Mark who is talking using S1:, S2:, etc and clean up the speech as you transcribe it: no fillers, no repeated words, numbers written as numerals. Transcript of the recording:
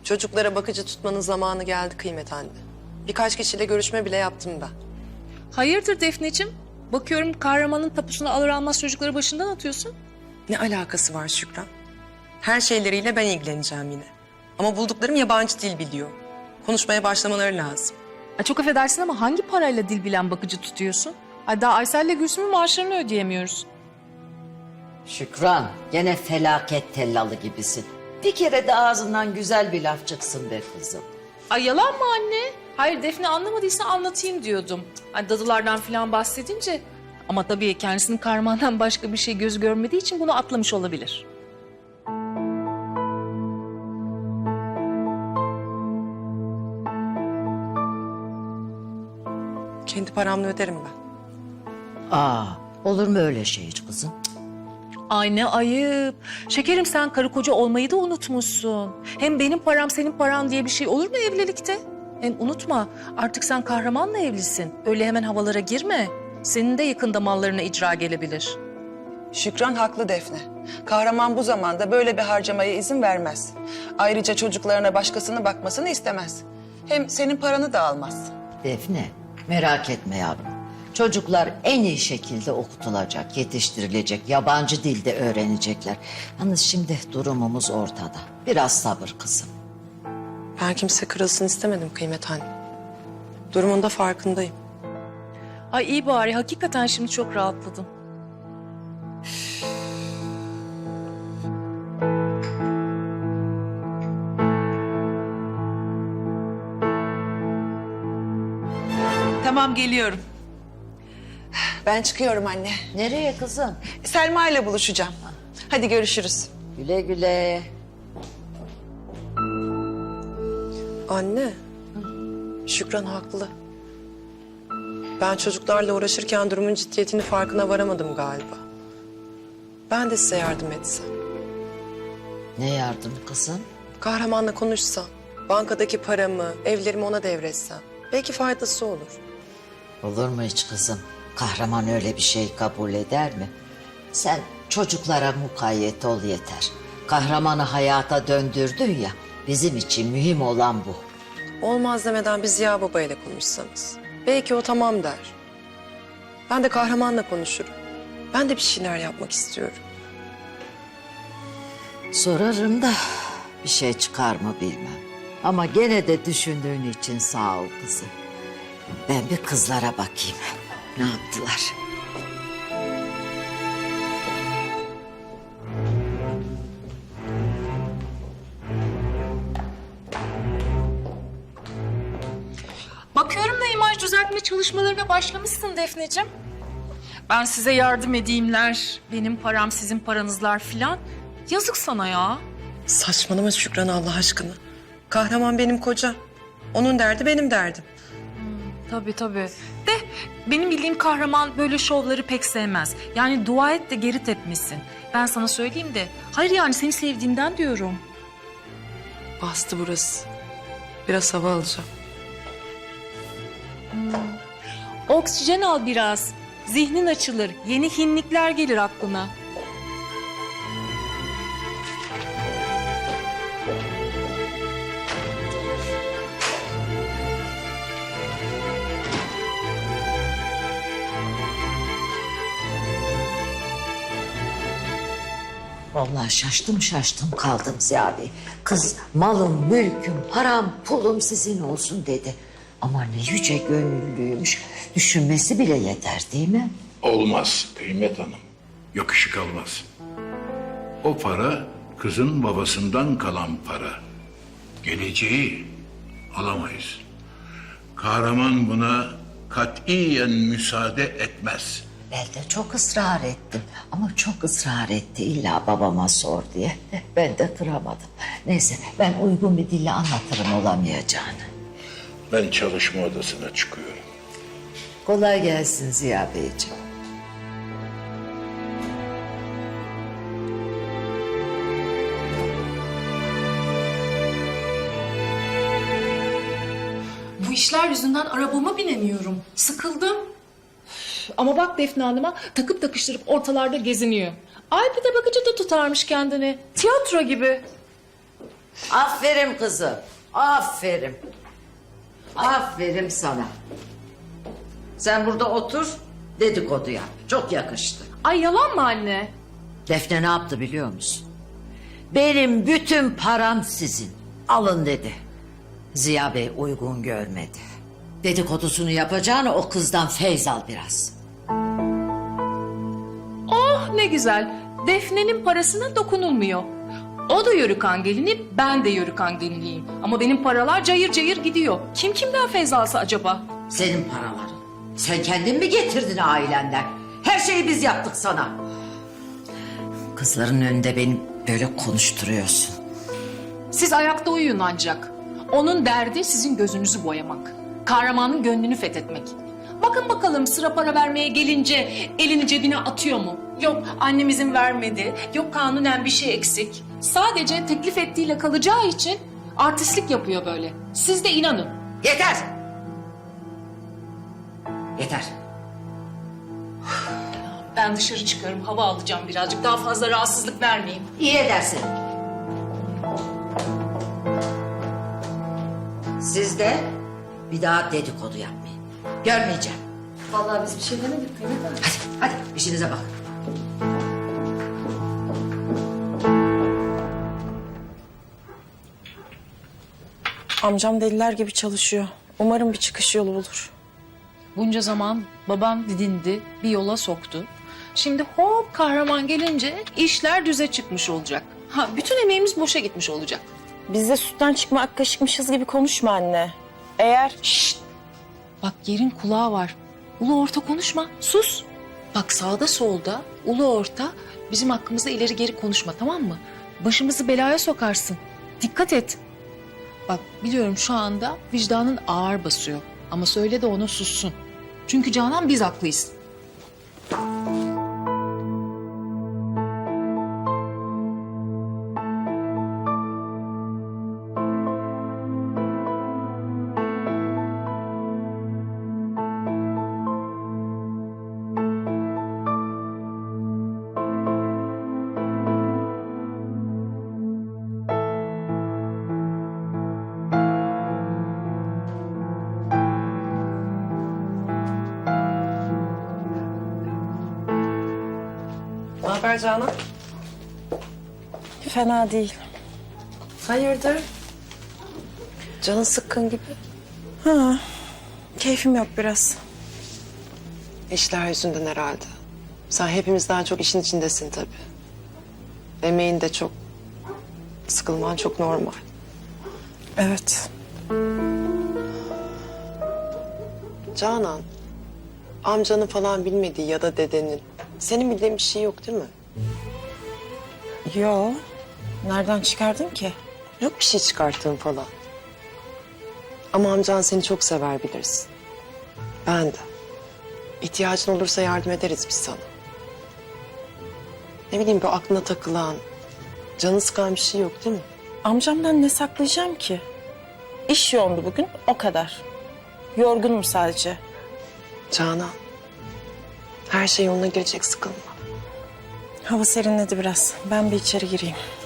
S1: Çocuklara bakıcı tutmanın zamanı geldi Kıymet anne. Birkaç kişiyle görüşme bile yaptım ben.
S2: Hayırdır Defneciğim? Bakıyorum kahramanın tapusunu alır almaz çocukları başından atıyorsun.
S1: Ne alakası var Şükran? Her şeyleriyle ben ilgileneceğim yine. Ama bulduklarım yabancı dil biliyor. Konuşmaya başlamaları lazım.
S2: Çok affedersin ama hangi parayla dil bilen bakıcı tutuyorsun? Ay daha Aysel'le Gülsüm'ün maaşlarını ödeyemiyoruz.
S3: Şükran, gene felaket tellalı gibisin. Bir kere de ağzından güzel bir laf çıksın be kızım.
S2: Ay yalan mı anne? Hayır Defne anlamadıysa anlatayım diyordum. Hani dadılardan falan bahsedince. Ama tabii kendisinin kahramandan başka bir şey göz görmediği için bunu atlamış olabilir.
S1: Kendi paramla öderim ben.
S3: Olur mu öyle şey hiç kızım?
S2: Ay ne ayıp. Şekerim sen karı koca olmayı da unutmuşsun. Hem benim param senin paran diye bir şey olur mu evlilikte? Hem unutma artık sen kahramanla evlisin. Öyle hemen havalara girme. Senin de yakında mallarına icra gelebilir.
S4: Şükran haklı Defne. Kahraman bu zamanda böyle bir harcamaya izin vermez. Ayrıca çocuklarına başkasının bakmasını istemez. Hem senin paranı da almaz.
S3: Defne, merak etme yavrum. Çocuklar en iyi şekilde okutulacak, yetiştirilecek, yabancı dilde öğrenecekler. Yalnız şimdi durumumuz ortada. Biraz sabır kızım.
S1: Ben kimse kırılsın istemedim Kıymet anne. Durumun da farkındayım.
S2: Ay iyi bari hakikaten şimdi çok rahatladım.
S5: Tamam geliyorum.
S4: Ben çıkıyorum anne.
S3: Nereye kızım?
S4: Selma ile buluşacağım. Hadi görüşürüz.
S3: Güle güle.
S1: Anne, Şükran haklı. Ben çocuklarla uğraşırken durumun ciddiyetini farkına varamadım galiba. Ben de size yardım etsem.
S3: Ne yardım kızım?
S1: Kahramanla konuşsam, bankadaki paramı, evlerimi ona devretsem. Belki faydası olur.
S3: Olur mu hiç kızım? Kahraman öyle bir şey kabul eder mi? Sen çocuklara mukayyet ol yeter. Kahramanı hayata döndürdün ya, bizim için mühim olan bu.
S1: Olmaz demeden bir Ziya Baba ile konuşsanız. Belki o tamam der. Ben de kahramanla konuşurum. Ben de bir şeyler yapmak istiyorum.
S3: Sorarım da bir şey çıkar mı bilmem. Ama gene de düşündüğün için sağ ol kızım. Ben bir kızlara bakayım. Ne yaptılar?
S2: Bakıyorum da imaj düzeltme çalışmalarına başlamışsın Defneciğim. Ben size yardım edeyimler, benim param sizin paranızlar filan. Yazık sana ya.
S1: Saçmalama Şükran Allah aşkına. Kahraman benim kocam. Onun derdi benim derdim.
S2: Tabii tabii. De benim bildiğim kahraman böyle şovları pek sevmez. Yani dua et de geri tepmesin. Ben sana söyleyeyim de. Hayır yani seni sevdiğimden diyorum.
S1: Bastı burası. Biraz hava alacağım.
S2: Oksijen al biraz. Zihnin açılır. Yeni hinlikler gelir aklına.
S3: Vallahi şaştım kaldım Ziya Bey. Kız malım, mülküm, param, pulum sizin olsun dedi. Ama ne yüce gönüllüymüş. Düşünmesi bile yeter değil mi?
S6: Olmaz Kıymet Hanım. Yakışık almaz. O para kızın babasından kalan para. Geleceği alamayız. Kahraman buna katiyen müsaade etmez.
S3: Ben de çok ısrar ettim. Ama çok ısrar etti illa babama sor diye. Ben de kıramadım. Neyse ben uygun bir dille anlatırım olamayacağını.
S6: Ben çalışma odasına çıkıyorum.
S3: Kolay gelsin Ziya Beyciğim.
S2: Bu işler yüzünden arabama binemiyorum. Sıkıldım. Ama bak Defne Hanım'a takıp takıştırıp ortalarda geziniyor. Ay bir de bakıcı da tutarmış kendini. Tiyatro gibi.
S3: Aferin kızım. Aferin. Aferin sana. Sen burada otur, dedikodu yap. Çok yakıştı.
S2: Ay yalan mı anne?
S3: Defne ne yaptı biliyor musun? Benim bütün param sizin. Alın dedi. Ziya Bey uygun görmedi. Dedikodusunu yapacağını o kızdan feyz al biraz.
S2: Oh ne güzel. Defne'nin parasına dokunulmuyor. O da yörükan gelini, ben de yörükan geliniyim. Ama benim paralar cayır cayır gidiyor. Kim kimden feyz alsa acaba?
S3: Senin paraların. Sen kendin mi getirdin ailenden? Her şeyi biz yaptık sana. Kızların önünde beni böyle konuşturuyorsun.
S2: Siz ayakta uyuyun ancak. Onun derdi sizin gözünüzü boyamak. Kahramanın gönlünü fethetmek. Bakın bakalım sıra para vermeye gelince elini cebine atıyor mu? Yok annem izin vermedi, yok kanunen bir şey eksik. Sadece teklif ettiğiyle kalacağı için artistlik yapıyor böyle. Siz de inanın.
S3: Yeter! Yeter.
S2: Ben dışarı çıkıyorum, hava alacağım birazcık. Daha fazla rahatsızlık vermeyeyim.
S3: İyi edersin. Siz de bir daha dedikodu yapmayın. Görmeyeceğim.
S1: Vallahi biz bir şey demedik.
S3: Hadi işinize bakın.
S7: Amcam deliler gibi çalışıyor. Umarım bir çıkış yolu bulur.
S2: Bunca zaman babam didindi, bir yola soktu. Şimdi hop kahraman gelince işler düze çıkmış olacak. Ha, bütün emeğimiz boşa gitmiş olacak.
S7: Biz de sütten çıkma ak kaşıkmışız gibi konuşma anne. Eğer...
S2: Bak yerin kulağı var. Ulu orta konuşma, sus. Bak sağda solda, ulu orta bizim hakkımızda ileri geri konuşma, tamam mı? Başımızı belaya sokarsın. Dikkat et. Bak biliyorum şu anda vicdanın ağır basıyor. Ama söyle de ona sussun. Çünkü Canan biz haklıyız.
S1: Ne haber Canan?
S7: Fena değil.
S1: Hayırdır? Canın sıkkın gibi.
S7: Ha, keyfim yok biraz.
S1: İşler yüzünden herhalde. Sen hepimizden çok işin içindesin tabii. Emeğin de çok. Sıkılman çok normal.
S7: Evet.
S1: Canan, amcanın falan bilmediği ya da dedenin. Senin bildiğin bir şey yok değil mi?
S7: Yo. Nereden çıkardın ki?
S1: Yok bir şey çıkarttığın falan. Ama amcan seni çok sever bilirsin. Ben de. İhtiyacın olursa yardım ederiz biz sana. Ne bileyim bu aklına takılan, canı sıkan bir şey yok değil mi?
S7: Amcamdan ne saklayacağım ki? İş yoğundu bugün, o kadar. Yorgunum sadece.
S1: Canan, her şey yoluna girecek, sıkılma.
S7: Hava serinledi biraz. Ben bir içeri gireyim.